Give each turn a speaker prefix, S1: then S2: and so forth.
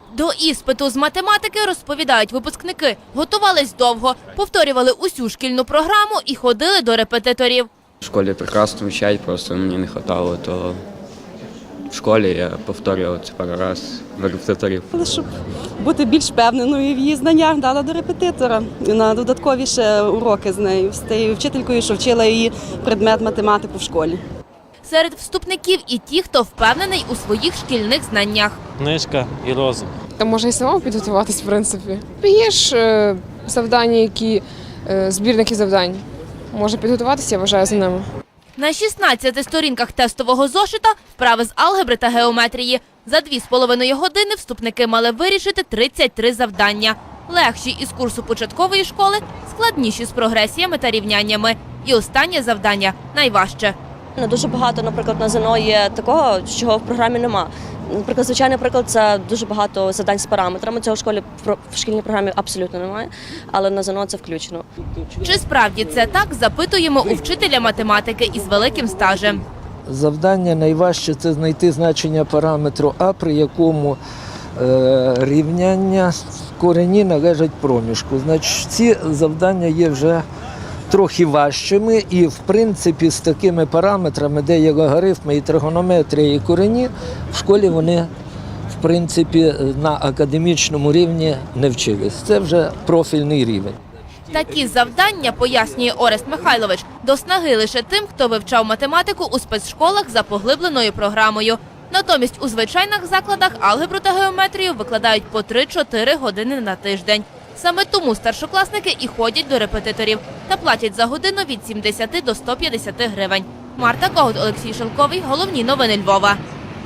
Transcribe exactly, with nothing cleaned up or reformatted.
S1: До іспиту з математики, розповідають випускники, готувались довго, повторювали усю шкільну програму і ходили до репетиторів.
S2: В школі прекрасно вчать, просто мені не вистачало, то в школі я повторював це пару разів в репетиторів.
S3: Щоб бути більш впевненою в її знаннях, дала до репетитора на додаткові ще уроки з нею, з тією вчителькою, що вчила її предмет математику в школі.
S1: Серед вступників і ті, хто впевнений у своїх шкільних знаннях.
S4: Книжка і розум.
S5: Та може і сама підготуватись, в принципі. Є ж е, завдання, які е, збірники завдань. Може підготуватися, я вважаю, за ними.
S1: На шістнадцяти сторінках тестового зошита вправи з алгебри та геометрії. За дві з половиною години вступники мали вирішити тридцять три завдання. Легші із курсу початкової школи, складніші з прогресіями та рівняннями. І останнє завдання – найважче.
S6: Дуже багато, наприклад, на ЗНО є такого, чого в програмі нема. Наприклад, звичайний приклад – це дуже багато завдань з параметрами. Цього в школі в шкільній програмі абсолютно немає, але на ЗНО це включено.
S1: Чи справді це так, запитуємо у вчителя математики із великим стажем.
S7: Завдання найважче – це знайти значення параметру А, при якому е, рівняння корені належать проміжку. Значить, ці завдання є вже трохи важчими і, в принципі, з такими параметрами, де є логарифми і тригонометрія, і корені, в школі вони, в принципі, на академічному рівні не вчились. Це вже профільний рівень.
S1: Такі завдання, пояснює Орест Михайлович, до снаги лише тим, хто вивчав математику у спецшколах за поглибленою програмою. Натомість у звичайних закладах алгебру та геометрію викладають по три-чотири години на тиждень. Саме тому старшокласники і ходять до репетиторів та платять за годину від сімдесяти до ста п'ятдесяти гривень. Марта Когут, Олексій Шелковий. Головні новини Львова.